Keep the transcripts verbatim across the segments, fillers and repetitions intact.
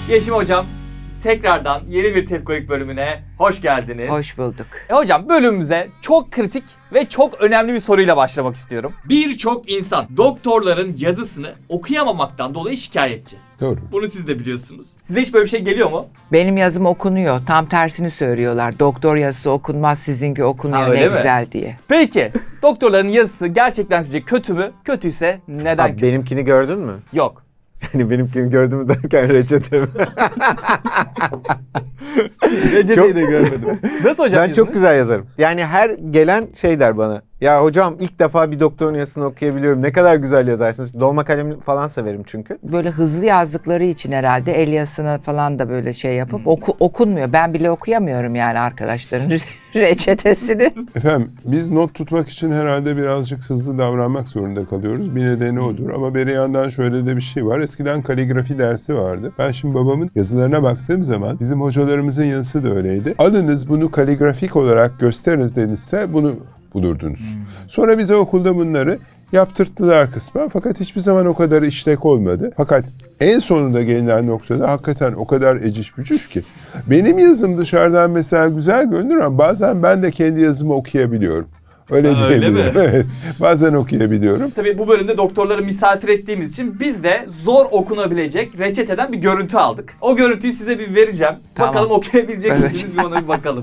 Yeşim Hocam, tekrardan yeni bir Tepkolik bölümüne hoş geldiniz. Hoş bulduk. E hocam, bölümümüze çok kritik ve çok önemli bir soruyla başlamak istiyorum. Birçok insan doktorların yazısını okuyamamaktan dolayı şikayetçi. Doğru. Bunu siz de biliyorsunuz. Size hiç böyle bir şey geliyor mu? Benim yazım okunuyor. Tam tersini söylüyorlar. Doktor yazısı okunmaz, sizinki okunuyor, Ha, öyle ne mi? güzel diye. Peki, doktorların yazısı gerçekten sizce kötü mü? Kötüyse neden Abi kötü? benimkini gördün mü? Yok. Yani benimkini gördün mü derken reçetemi. Reçeteyi de görmedim. Nasıl hocam? Ben çok güzel yazarım. Yani her gelen şey der bana. Ya hocam ilk defa bir doktorun yazısını okuyabiliyorum. Ne kadar güzel yazarsınız. Dolma kalem falan severim çünkü. Böyle hızlı yazdıkları için herhalde el yazısını falan da böyle şey yapıp oku, okunmuyor. Ben bile okuyamıyorum yani arkadaşların reçetesini. Efendim biz not tutmak için herhalde birazcık hızlı davranmak zorunda kalıyoruz. Bir nedeni odur ama bir yandan şöyle de bir şey var. Eskiden kaligrafi dersi vardı. Ben şimdi babamın yazılarına baktığım zaman bizim hocalarımızın yazısı da öyleydi. Alınız bunu kaligrafik olarak gösteriniz denizse bunu bulurdunuz. Hmm. Sonra bize okulda bunları yaptırttılar kısmen fakat hiçbir zaman o kadar işlek olmadı. Fakat en sonunda gelinen noktada hakikaten o kadar eciş bücüş ki. Benim yazım dışarıdan mesela güzel görünür ama bazen ben de kendi yazımı okuyabiliyorum. Öyle Ha, öyle diyebilirim. mi? Evet, bazen okuyabiliyorum. Tabii bu bölümde doktorları misafir ettiğimiz için biz de zor okunabilecek reçeteden bir görüntü aldık. O görüntüyü size bir vereceğim. Tamam. Bakalım okuyabilecek Evet. misiniz? Bir ona bir bakalım.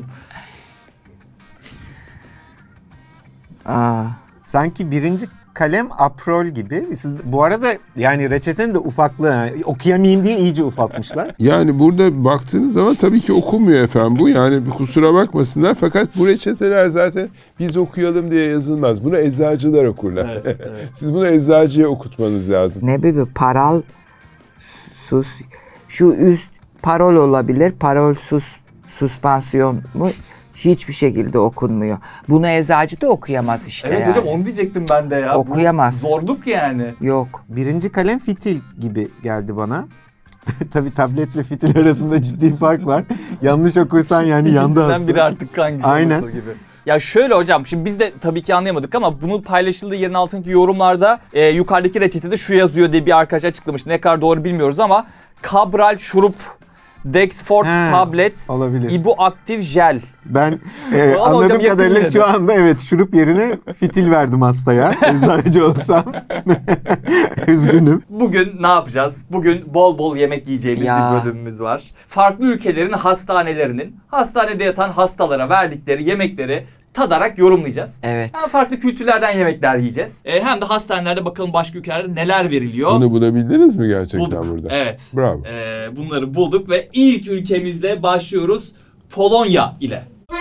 Aa. Sanki birinci kalem aprol gibi. Siz, bu arada yani reçetenin de ufaklığı. Yani okuyamayayım diye iyice ufaltmışlar. Yani burada baktığınız zaman tabii ki okunmuyor efendim bu. Yani kusura bakmasınlar fakat bu reçeteler zaten biz okuyalım diye yazılmaz. Bunu eczacılar okurlar. Evet, evet. Siz bunu eczacıya okutmanız lazım. Ne bir paral sus. Şu üst parol olabilir. Parol sus suspansiyon mu? Hiçbir şekilde okunmuyor. Bunu eczacı da okuyamaz işte Evet yani. hocam, onu diyecektim ben de ya. Okuyamaz. Bu zorluk yani. Yok. Birinci kalem fitil gibi geldi bana. Tabii tabletle fitil arasında ciddi fark var. Yanlış okursan yani yandı İkisinden hasta. biri artık hangisi Aynen. olursa gibi. Ya şöyle hocam, şimdi biz de tabii ki anlayamadık ama bunu paylaşıldığı yerin altındaki yorumlarda e, yukarıdaki reçetede şu yazıyor diye bir arkadaş açıklamış. Ne kadar doğru bilmiyoruz ama Cabral şurup, Dexfort He, tablet, olabilir. ibuaktif jel. Ben e, Ama anladığım hocam kadarıyla yakın şu anda evet şurup yerine fitil verdim hastaya. Eczacı olsam. Üzgünüm. Bugün ne yapacağız? Bugün bol bol yemek yiyeceğimiz Ya. bir bölümümüz var. Farklı ülkelerin hastanelerinin hastanede yatan hastalara verdikleri yemekleri tadarak yorumlayacağız. Evet. Hem farklı kültürlerden yemekler yiyeceğiz. E, hem de hastanelerde bakalım başka ülkelerde neler veriliyor. Bunu bulabildiniz mi gerçekten Bulduk. burada? Evet. Bravo. E, bunları bulduk ve ilk ülkemizle başlıyoruz. Polonya ile.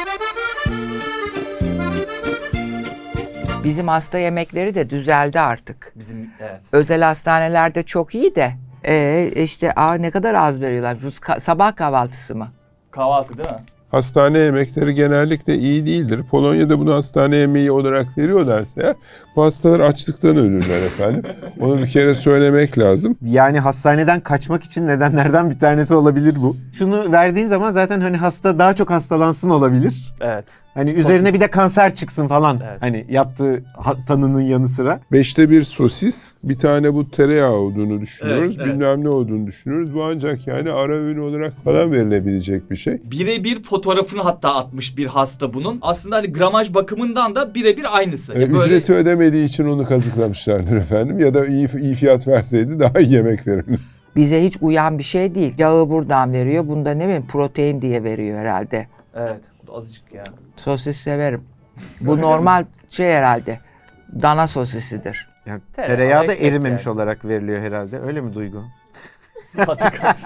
Bizim hasta yemekleri de düzeldi artık. Bizim evet. Özel hastanelerde çok iyi de e, işte aa, ne kadar az veriyorlar. Bu ka- sabah kahvaltısı mı? Kahvaltı değil mi? Hastane yemekleri genellikle iyi değildir. Polonya'da bunu hastane yemeği olarak veriyorlarsa eğer, bu hastalar açlıktan ölürler efendim. Onu bir kere söylemek lazım. Yani hastaneden kaçmak için nedenlerden bir tanesi olabilir bu. Şunu verdiğin zaman zaten hani hasta daha çok hastalansın olabilir. Evet. Hani Sosis. üzerine bir de kanser çıksın falan. Evet. Hani yaptığı ha- tanının yanı sıra. Beşte bir sosis, bir tane bu tereyağı olduğunu düşünüyoruz. Evet, evet. Bilmem ne olduğunu düşünüyoruz. Bu ancak yani ara öğün olarak falan verilebilecek bir şey. Birebir fotoğrafını hatta atmış bir hasta bunun. Aslında hani gramaj bakımından da birebir aynısı. Ee, Ya böyle- Ücreti ödemediği için onu kazıklamışlardır efendim. Ya da iyi, iyi fiyat verseydi daha iyi yemek verirdi. Bize hiç uyan bir şey değil. Yağı buradan veriyor. Bunda ne bileyim protein diye veriyor herhalde. Evet. Bu da azıcık ya. Sosis severim. Bu normal şey herhalde. Dana sosisidir. Yani Tereyağı, tereyağı da ekmek erimemiş yani. olarak veriliyor herhalde. Öyle mi Duygu? Katı katı.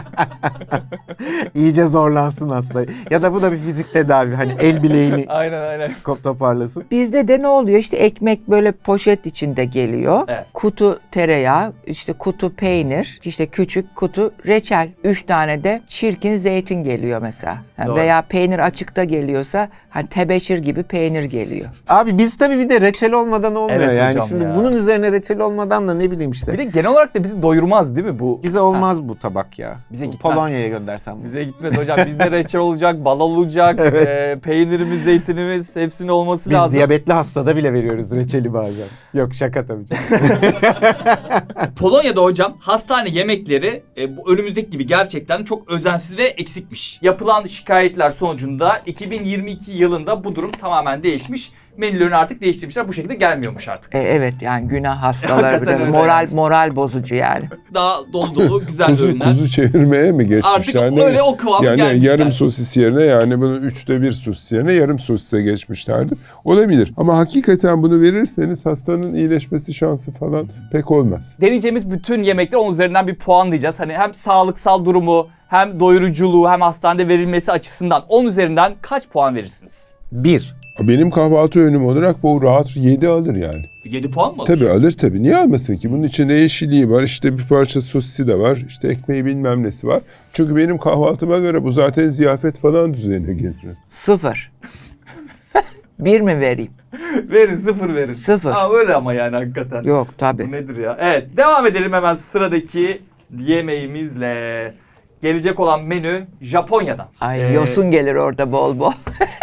İyice zorlansın hasta. Ya da bu da bir fizik tedavi. Hani el bileğini Aynen aynen. kop toparlasın. Bizde de ne oluyor? İşte ekmek böyle poşet içinde geliyor. Evet. Kutu tereyağı, işte kutu peynir, işte küçük kutu reçel. Üç tane de çirkin zeytin geliyor mesela. Yani Doğru. veya peynir açıkta geliyorsa hani tebeşir gibi peynir geliyor. Abi biz tabii bir de reçel olmadan olmuyor Evet yani. hocam Şimdi ya. bunun üzerine reçel olmadan da ne bileyim işte. Bir de genel olarak da bizi doyurmaz değil mi bu? Bize olmaz bu tabak ya. Bize Bu gitmez. Polonya'ya göndersem. bunu. Bize gitmez hocam. Bizde reçel olacak, bal olacak, e, peynirimiz, zeytinimiz hepsinin olması Biz lazım. diyabetli hastada bile veriyoruz reçeli bazen. Yok şaka tabii canım. Polonya'da hocam hastane yemekleri e, bu önümüzdeki gibi gerçekten çok özensiz ve eksikmiş. Yapılan şikayetler sonucunda iki bin yirmi iki yılında bu durum tamamen değişmiş. Menülerini artık değiştirmişler. Bu şekilde gelmiyormuş artık. E, evet yani günah hastaları Hakikaten bile öyle moral yani. moral bozucu yani. Daha dolu dolu güzel Kuzu, öğünler. kuzu çevirmeye mi geçmişler? Artık Ne? öyle o kıvama Yani gelmişler. yarım sosis yerine yani bunu üçte bir sosis yerine yarım sosise geçmişlerdi. Olabilir. Ama hakikaten bunu verirseniz hastanın iyileşmesi şansı falan pek olmaz. Deneyeceğimiz bütün yemekler onun üzerinden bir puan diyeceğiz. Hani hem sağlıksal durumu, hem doyuruculuğu, hem hastanede verilmesi açısından on üzerinden kaç puan verirsiniz? Bir. Benim kahvaltı öğünüm olarak bu rahat yedi alır yani. yedi puan mı alır? Tabii alır tabii. Niye almasın ki? Bunun içinde yeşilliği var, işte bir parça sosisi de var, işte ekmeği bilmem nesi var. Çünkü benim kahvaltıma göre bu zaten ziyafet falan düzenine gelir. Sıfır. Bir mi vereyim? Verin, sıfır verin. Sıfır. Ha, öyle ama yani hakikaten. Yok tabii. Bu nedir ya? Evet, devam edelim hemen sıradaki yemeğimizle. Gelecek olan menü Japonya'dan. Ay Ee, yosun gelir orada bol bol.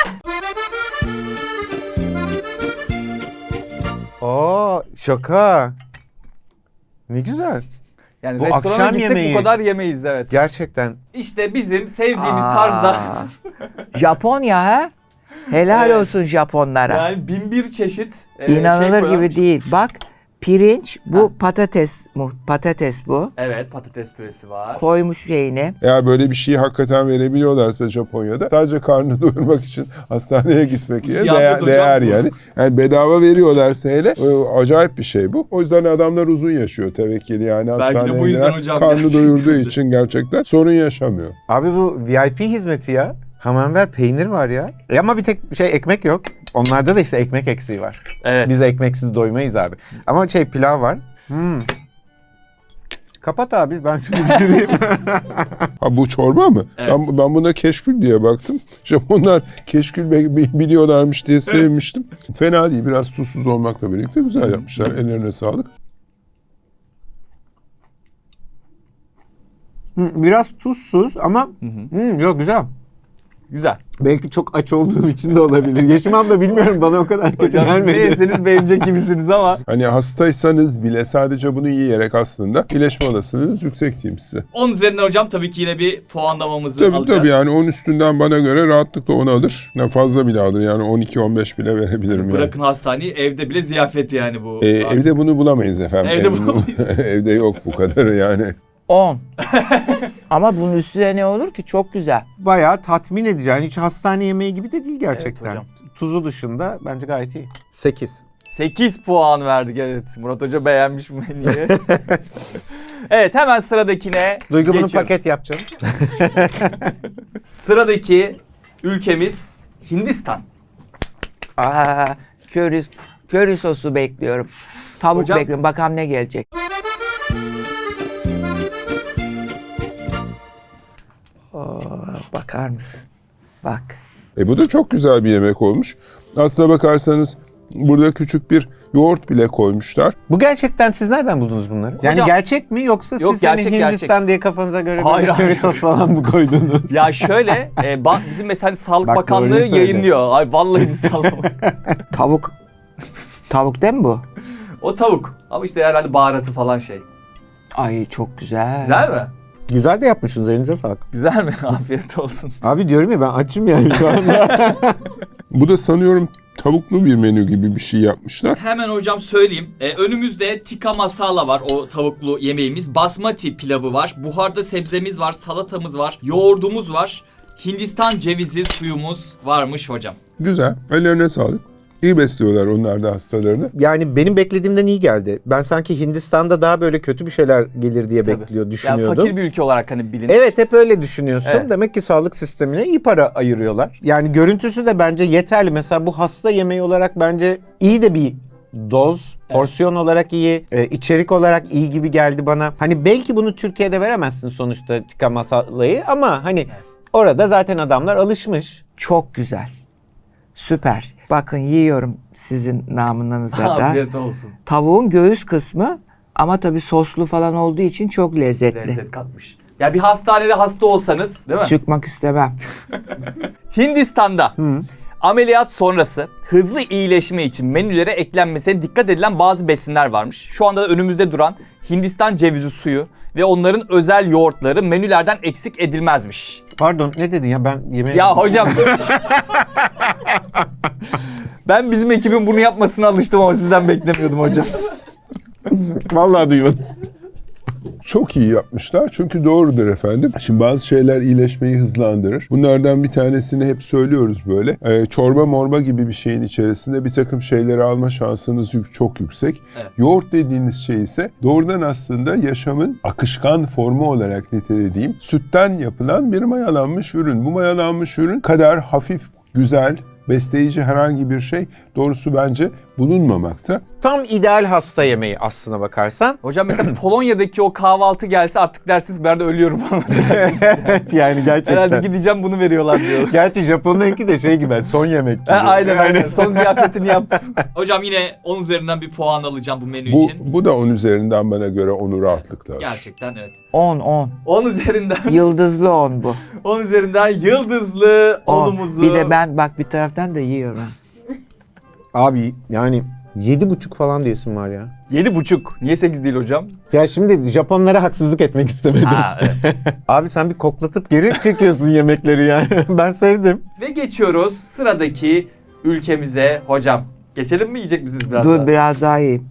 Aa şaka. Ne güzel. Yani Bu restorana akşam gitsek yemeği. bu kadar yemeyiz, evet. Gerçekten. İşte bizim sevdiğimiz Aa, tarzda Japonya ha? Helal Evet. olsun Japonlara. yani bin bir çeşit e, şey İnanılır gibi koyarmış. değil. Bak pirinç bu Ha. patates mu patates bu. Evet, patates püresi var. Koymuş şeyini. Eğer böyle bir şeyi hakikaten verebiliyorlarsa Japonya'da sadece karnını doyurmak için hastaneye gitmek yerine Ziyafet değer, hocam değer bu. yani. Yani bedava veriyorlarsa hele e, acayip bir şey bu. O yüzden adamlar uzun yaşıyor tevekkili yani Belki de hastaneye bu yüzden giden, hocam karnı gerçekten doyurduğu de. için gerçekten sorun yaşamıyor. Abi bu V I P hizmeti ya. Camembert peynir var ya. E ama bir tek şey ekmek yok. Onlarda da işte ekmek eksiği var. Evet. Biz ekmeksiz doymayız abi. Ama şey pilav var. Hmm. Kapat abi ben şunu bitireyim. Ha bu çorba mı? Evet. Ben, ben buna keşkül diye baktım. Japonlar keşkül be- bi- biliyorlarmış diye sevmiştim. Fena değil. Biraz tuzsuz olmakla birlikte güzel yapmışlar. Ellerine sağlık. Hmm, Biraz tuzsuz ama hmm, yok güzel. Güzel. Belki çok aç olduğum için de olabilir. Yaşımam da bilmiyorum bana o kadar kötü Hocam siz ne gelmedi. yeseniz beğenecek gibisiniz ama. Hani hastaysanız bile sadece bunu yiyerek aslında iyileşme olasılığınız yüksek diyeyim size. on üzerinden hocam tabii ki yine bir puanlamamızı Tabii alacağız. tabii yani on üstünden bana göre rahatlıkla on alır. Yani fazla bile alır yani on iki on beş bile verebilirim yani. Bırakın hastaneyi, evde bile ziyafet yani bu. Ee, evde bunu bulamayız efendim. Evde Evde- bulamayız. evde yok bu kadarı yani. on. Ama bunun üstüne ne olur ki? Çok güzel. Bayağı tatmin edici. Yani hiç hastane yemeği gibi de değil gerçekten. Evet hocam. Tuzu dışında bence gayet iyi. sekiz. sekiz puan verdik, evet. Murat Hoca beğenmiş bu menüyü. Evet, hemen sıradakine Duygu bunu geçiyoruz. paket yapacağım. Sıradaki ülkemiz Hindistan. Aa, köri, köri sosu bekliyorum. Tavuk Hocam- bekliyorum. Bakalım ne gelecek. Oo, bakar mısın? Bak. E bu da çok güzel bir yemek olmuş. Aslına bakarsanız burada küçük bir yoğurt bile koymuşlar. Bu gerçekten siz nereden buldunuz bunları? Yani Hocam- gerçek mi yoksa Yok, siz hani gerçek, Hindistan gerçek. diye kafanıza göre Hayır, böyle köri hayır. sos falan mı koydunuz? Ya şöyle, e, ba- bizim mesela Sağlık Bak, Bakanlığı doğruyu söyle. yayınlıyor. Ay vallahi biz sallamadık. Tavuk. Tavuk değil mi bu? O tavuk. Ama işte herhalde baharatı falan şey. Ay çok güzel. Güzel mi? Güzel de yapmışsınız, elinize sağlık. Güzel mi? Afiyet olsun. Abi diyorum ya ben açım yani şu anda. Bu da sanıyorum tavuklu bir menü gibi bir şey yapmışlar. Hemen hocam söyleyeyim. Ee, önümüzde tikka masala var, o tavuklu yemeğimiz. Basmati pilavı var. Buharda sebzemiz var, salatamız var, yoğurdumuz var. Hindistan cevizi suyumuz varmış hocam. Güzel. Ellerine sağlık. İyi besliyorlar onlar da hastalarını. Yani benim beklediğimden iyi geldi. Ben sanki Hindistan'da daha böyle kötü bir şeyler gelir diye Tabii. bekliyor, Yani düşünüyordum. fakir bir ülke olarak hani bilinir. Evet, hep öyle düşünüyorsun. Evet. Demek ki sağlık sistemine iyi para ayırıyorlar. Yani görüntüsü de bence yeterli. Mesela bu hasta yemeği olarak bence iyi de bir doz. Porsiyon olarak iyi, e, içerik olarak iyi gibi geldi bana. Hani belki bunu Türkiye'de veremezsin sonuçta tikka masalayı ama hani orada zaten adamlar alışmış. Çok güzel. Süper. Bakın yiyorum sizin namınıza da. Afiyet olsun. Tavuğun göğüs kısmı ama tabii soslu falan olduğu için çok lezzetli. Lezzet katmış. Ya bir hastanede hasta olsanız, değil mi? Çıkmak istemem. Hindistan'da ameliyat sonrası hızlı iyileşme için menülere eklenmesine dikkat edilen bazı besinler varmış. Şu anda da önümüzde duran Hindistan cevizi suyu ve onların özel yoğurtları menülerden eksik edilmezmiş. Pardon ne dedin ya ben yemeğe... Ya hocam. Ben bizim ekibin bunu yapmasına alıştım ama sizden beklemiyordum hocam. Vallahi duymadım. Çok iyi yapmışlar çünkü doğrudur efendim. Şimdi bazı şeyler iyileşmeyi hızlandırır. Bunlardan bir tanesini hep söylüyoruz böyle. Ee, çorba morba gibi bir şeyin içerisinde bir takım şeyleri alma şansınız yük- çok yüksek. Evet. Yoğurt dediğiniz şey ise doğrudan aslında yaşamın akışkan formu olarak nitelediğim sütten yapılan bir mayalanmış ürün. Bu mayalanmış ürün kadar hafif, güzel, besleyici herhangi bir şey doğrusu bence bulunmamakta. Tam ideal hasta yemeği aslına bakarsan. Hocam mesela Polonya'daki o kahvaltı gelse artık dersiniz ben de ölüyorum falan. Evet yani gerçekten. Herhalde gideceğim bunu veriyorlar diyor. Gerçi Japonlarınki de şey gibi son yemek gibi. Ha, aynen aynen. Son ziyafetini yap. Hocam yine on üzerinden bir puan alacağım bu menü Bu, için. bu da on üzerinden bana göre onu rahatlıkla alır. Gerçekten evet. on on. on üzerinden Yıldızlı on bu. on üzerinden yıldızlı on. onumuzu. Bir de ben bak bir taraftan da yiyorum. Abi yani yedi buçuk falan diyesim var ya. yedi buçuk. Niye sekiz değil hocam? Ya şimdi Japonlara haksızlık etmek istemedim. Ha evet. Abi sen bir koklatıp geri çekiyorsun yemekleri yani. Ben sevdim. Ve geçiyoruz sıradaki ülkemize. Hocam geçelim mi, yiyecek misiniz biraz Dur daha? biraz daha yiyeyim.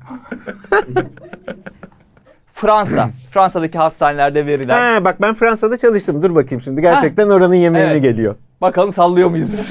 Fransa. Fransa'daki hastanelerde verilen. Ha, bak ben Fransa'da çalıştım. Dur bakayım şimdi. Gerçekten oranın yemeği mi Evet. geliyor? Bakalım sallıyor muyuz?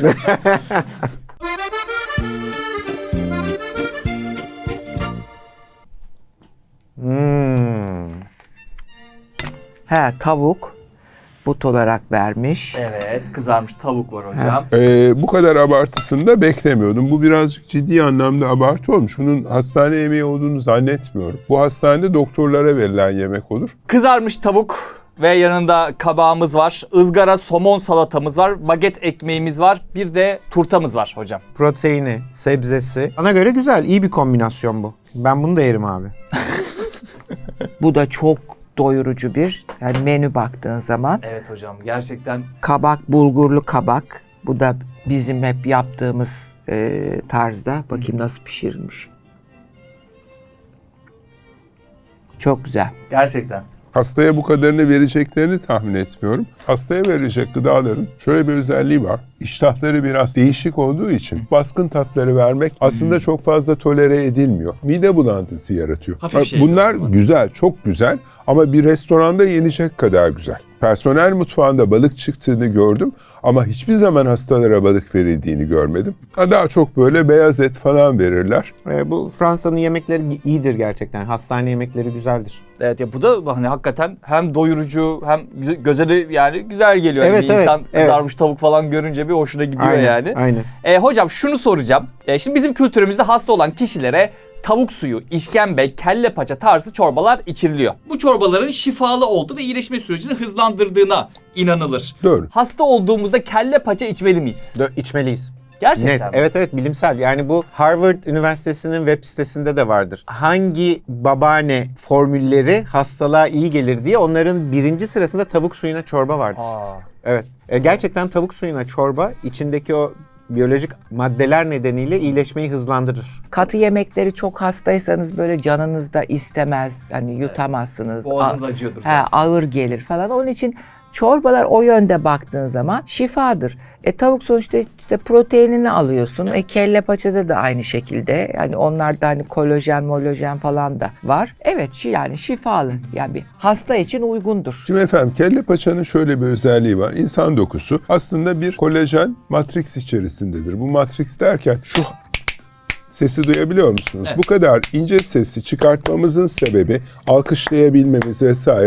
Hmm. He tavuk. But olarak vermiş. Evet, kızarmış tavuk var hocam. Ee, bu kadar abartısını da beklemiyordum. Bu birazcık ciddi anlamda abartı olmuş. Bunun hastane yemeği olduğunu zannetmiyorum. Bu hastanede doktorlara verilen yemek olur. Kızarmış tavuk ve yanında kabağımız var. Izgara somon salatamız var. Baget ekmeğimiz var. Bir de turtamız var hocam. Proteini, sebzesi. Bana göre güzel, iyi bir kombinasyon bu. Ben bunu da yerim abi. Bu da çok doyurucu bir yani menü baktığın zaman. Evet hocam, gerçekten Kabak, bulgurlu kabak. Bu da bizim hep yaptığımız e, tarzda. Bakayım nasıl pişirilmiş. Çok güzel. gerçekten. Hastaya bu kadarını vereceklerini tahmin etmiyorum. Hastaya verilecek gıdaların şöyle bir özelliği var. İştahları biraz değişik olduğu için baskın tatları vermek aslında çok fazla tolere edilmiyor. Mide bulantısı yaratıyor. Hafif şey Bunlar yapıyorlar. güzel, çok güzel ama bir restoranda yenecek kadar güzel. Personel mutfağında balık çıktığını gördüm ama hiçbir zaman hastalara balık verildiğini görmedim. Ha, daha çok böyle beyaz et falan verirler. Ee, bu Fransa'nın yemekleri iyidir gerçekten. Hastane yemekleri güzeldir. Evet ya, bu da hani hakikaten hem doyurucu hem gö- göze de yani güzel geliyor. Yani Evet, bir evet, insan evet. kızarmış tavuk falan görünce bir hoşuna gidiyor Aynen, yani. aynen. E, hocam şunu soracağım. E, şimdi bizim kültürümüzde hasta olan kişilere tavuk suyu, işkembe, kelle paça tarzı çorbalar içiriliyor. Bu çorbaların şifalı olduğu ve iyileşme sürecini hızlandırdığına inanılır. Doğru. Hasta olduğumuzda kelle paça içmeli miyiz? Dö- içmeliyiz. Gerçekten Net. mi? Evet evet bilimsel. Yani bu Harvard Üniversitesi'nin web sitesinde de vardır. Hangi babaanne formülleri hastalığa iyi gelir diye onların birinci sırasında tavuk suyuna çorba vardır. Aa. Evet. E, gerçekten tavuk suyuna çorba içindeki o biyolojik maddeler nedeniyle iyileşmeyi hızlandırır. Katı yemekleri çok hastaysanız böyle canınız da istemez. Hani yutamazsınız. Boğazınız A- acıyordur He, zaten. ağır gelir falan. Onun için çorbalar o yönde baktığın zaman şifadır. E tavuk sonuçta işte proteinini alıyorsun. E kelle paçada da aynı şekilde. Yani onlarda hani kolajen, molajen falan da var. Evet şi- yani şifalı. Yani bir hasta için uygundur. Şimdi efendim kelle paçanın şöyle bir özelliği var. İnsan dokusu aslında bir kolajen matrix içerisindedir. Bu matrix derken şu sesi duyabiliyor musunuz? Evet. Bu kadar ince sesi çıkartmamızın sebebi alkışlayabilmemiz vesaire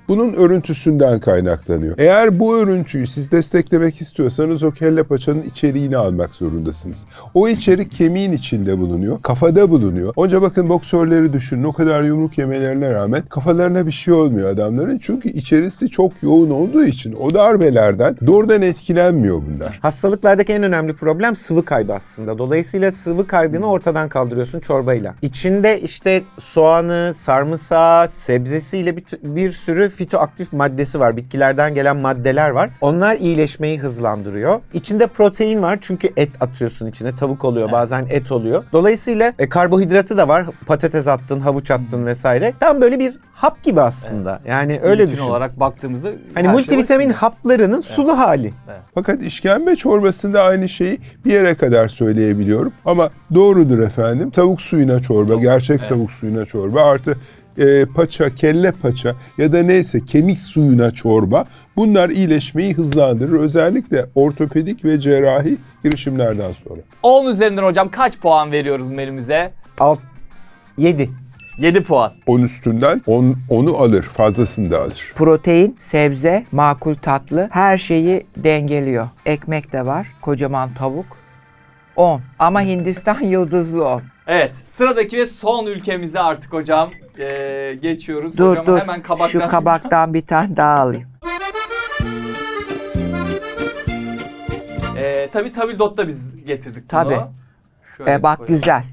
bunun örüntüsünden kaynaklanıyor. Eğer bu örüntüyü siz desteklemek istiyorsanız o kelle paçanın içeriğini almak zorundasınız. O içerik kemiğin içinde bulunuyor, kafada bulunuyor. Onca bakın boksörleri düşünün, o kadar yumruk yemelerine rağmen kafalarına bir şey olmuyor adamların. Çünkü içerisi çok yoğun olduğu için o darbelerden doğrudan etkilenmiyor bunlar. Hastalıklardaki en önemli problem sıvı kaybı aslında. Dolayısıyla sıvı kaybını ortadan kaldırıyorsun çorbayla. İçinde işte soğanı, sarımsağı, sebzesiyle bir, bir sürü fitoaktif maddesi var. Bitkilerden gelen maddeler var. Onlar iyileşmeyi hızlandırıyor. İçinde protein var çünkü et atıyorsun içine. Tavuk oluyor, bazen et oluyor. Dolayısıyla e, karbohidratı da var. Patates attın, havuç attın vesaire. Tam böyle bir hap gibi aslında. Yani öyle Bütün düşün. olarak baktığımızda Hani her şey multivitamin var içinde. haplarının sulu hali. Fakat işkembe çorbasında aynı şeyi bir yere kadar söyleyebiliyorum. Ama doğrudur efendim. Tavuk suyuna çorba, gerçek evet. tavuk suyuna çorba artı e, paça, kelle paça ya da neyse kemik suyuna çorba. Bunlar iyileşmeyi hızlandırır. Özellikle ortopedik ve cerrahi girişimlerden sonra. on üzerinden hocam kaç puan veriyoruz bu menümüze? Alt yedi. yedi puan. on üstünden on, onu alır, fazlasını da alır. Protein, sebze, makul tatlı her şeyi dengeliyor. Ekmek de var, kocaman tavuk. on. Ama Hindistan yıldızlı on. Evet, sıradaki ve son ülkemize artık hocam ee, geçiyoruz. Dur hocam dur, hemen kabaktan. şu kabaktan bir tane daha alayım. Ee, tabii tabildot'ta biz getirdik bunu. Tabii. Şöyle E, bak koyalım. güzel.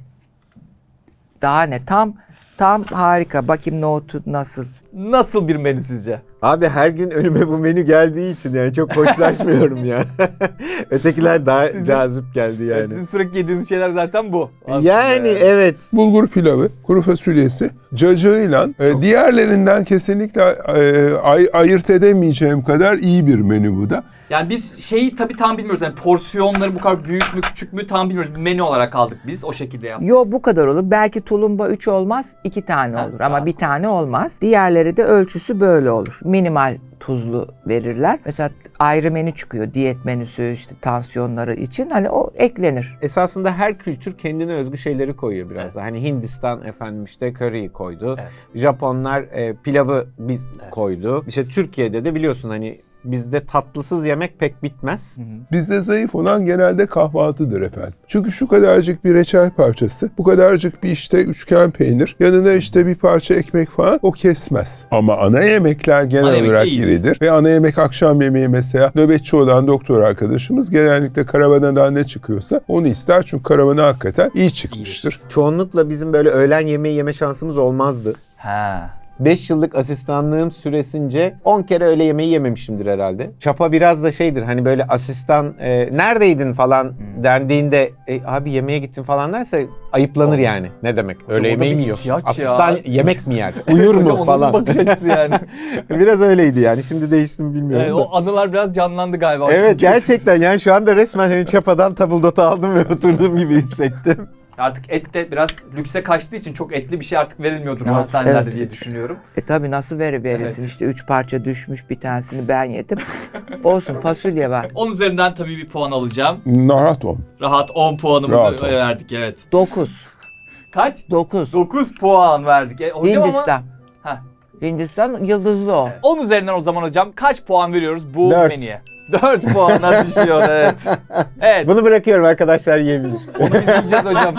Daha ne? Tam tam harika. Bakayım nohutu nasıl? Nasıl bir menü sizce? Abi her gün önüme bu menü geldiği için yani çok hoşlaşmıyorum ya. Ötekiler daha Sizin- cazip geldi yani. Sizin sürekli yediğiniz şeyler zaten bu. aslında Yani evet. Bulgur pilavı, kuru fasulyesi, cacığıyla e, diğerlerinden kesinlikle e, ay- ayırt edemeyeceğim kadar iyi bir menü bu da. Yani biz şeyi tabii tam bilmiyoruz. Yani porsiyonları bu kadar büyük mü küçük mü tam bilmiyoruz. Menü olarak aldık biz o şekilde yaptık. Yo bu kadar olur. Belki tulumba üç olmaz, iki tane Ha, olur. tamam. Ama bir tane olmaz. Diğerleri de ölçüsü böyle olur. Minimal tuzlu verirler. Mesela ayrı menü çıkıyor. Diyet menüsü işte tansiyonları için. Hani o eklenir. Esasında her kültür kendine özgü şeyleri koyuyor biraz da. Hani Hindistan efendim işte köriyi koydu. Evet. Japonlar e, pilavı biz koydu. İşte Türkiye'de de biliyorsun hani bizde tatlısız yemek pek bitmez. Bizde zayıf olan genelde kahvaltıdır efendim. Çünkü şu kadarcık bir reçel parçası, bu kadarcık bir işte üçgen peynir, yanına işte bir parça ekmek falan o kesmez. Ama ana yemekler genel Ana yemek olarak iyiyiz. iridir. Ve ana yemek akşam yemeği mesela nöbetçi olan doktor arkadaşımız genellikle karavanadan ne çıkıyorsa onu ister. Çünkü karavana hakikaten iyi çıkmıştır. Çoğunlukla bizim böyle öğlen yemeği yeme şansımız olmazdı. Ha. beş yıllık asistanlığım süresince on kere öğle yemeği yememişimdir herhalde. Çapa biraz da şeydir hani böyle asistan e, neredeydin falan dendiğinde e, abi yemeğe gittim falan derse ayıplanır yani. Ne demek? o Öğle da yemeği bir mi yiyorsun? ihtiyaç ya. Asistan yemek mi yer? Uyur Hocam mu o nasıl falan? bakış açısı yani? Biraz öyleydi yani. Şimdi değişti mi bilmiyorum Yani da. o anılar biraz canlandı galiba. hocam. Evet gerçekten yani şu anda resmen hani çapadan tabuldotu aldım ve oturduğum gibi hissettim. Artık et de biraz lükse kaçtığı için çok etli bir şey artık verilmiyordur Evet, hastanelerde evet. diye düşünüyorum. E tabi nasıl veri verirsin? Evet. İşte üç parça düşmüş, bir tanesini ben yedim. Olsun, fasulye var. on üzerinden tabii bir puan alacağım. Rahat ol. Rahat on puanımızı Rahat ol. verdik evet. dokuz. Kaç? dokuz. dokuz puan verdik. E, hocam Hindistan. ama... Heh. Hindistan yıldızlı o. on üzerinden o zaman hocam kaç puan veriyoruz bu Dört. menüye? dört puana düşüyor evet. Evet. Bunu bırakıyorum arkadaşlar yiyebilir. Onu biz yiyeceğiz hocam.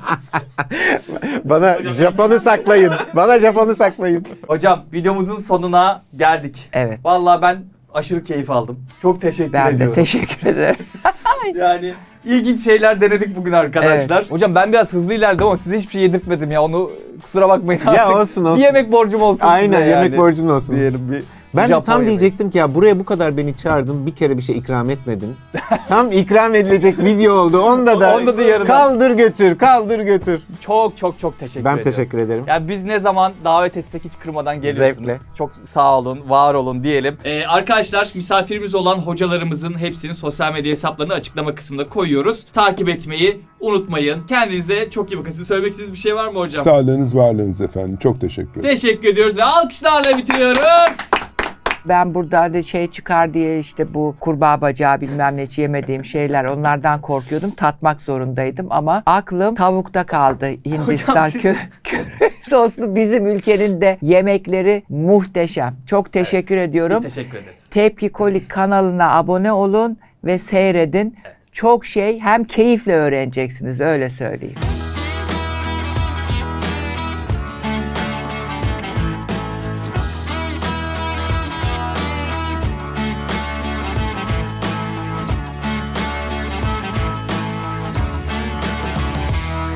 Bana Japon'u saklayın. Bana Japon'u saklayın. Hocam videomuzun sonuna geldik. Evet. Vallahi ben aşırı keyif aldım. Çok teşekkür Ben de ediyorum. teşekkür ederim. Yani ilginç şeyler denedik bugün arkadaşlar. Hocam ben biraz hızlı ilerledim ama size hiçbir şey yedirtmedim ya. Onu kusura bakmayın artık. Ya olsun, olsun. Bir yemek borcum olsun Aynen size yani. yemek borcun olsun. Diyelim bir. Ben de Japon tam yemeği. diyecektim ki ya buraya bu kadar beni çağırdın bir kere bir şey ikram etmedin. Tam ikram edilecek video oldu. Onda da, Onda da yarın. kaldır götür kaldır götür. Çok çok çok teşekkür Ben ediyorum. teşekkür ederim. Yani biz ne zaman davet etsek hiç kırmadan geliyorsunuz. Zevkle. Çok sağ olun, var olun diyelim. Ee, arkadaşlar misafirimiz olan hocalarımızın hepsinin sosyal medya hesaplarını açıklama kısmında koyuyoruz. Takip etmeyi unutmayın. Kendinize çok iyi bakın. Size söylemek istediğiniz bir şey var mı hocam? Sağlığınız, varlığınız efendim. Çok teşekkür ederim. Teşekkür ediyoruz ve alkışlarla bitiriyoruz. Ben burada da şey çıkar diye işte bu kurbağa bacağı bilmem ne yemediğim şeyler onlardan korkuyordum. Tatmak zorundaydım ama aklım tavukta kaldı. Hindistan siz- kö köri soslu bizim ülkenin de yemekleri muhteşem. Çok teşekkür ediyorum. Biz teşekkür ederiz. Tepki Kolik kanalına abone olun ve seyredin. Çok şey hem keyifle öğreneceksiniz öyle söyleyeyim.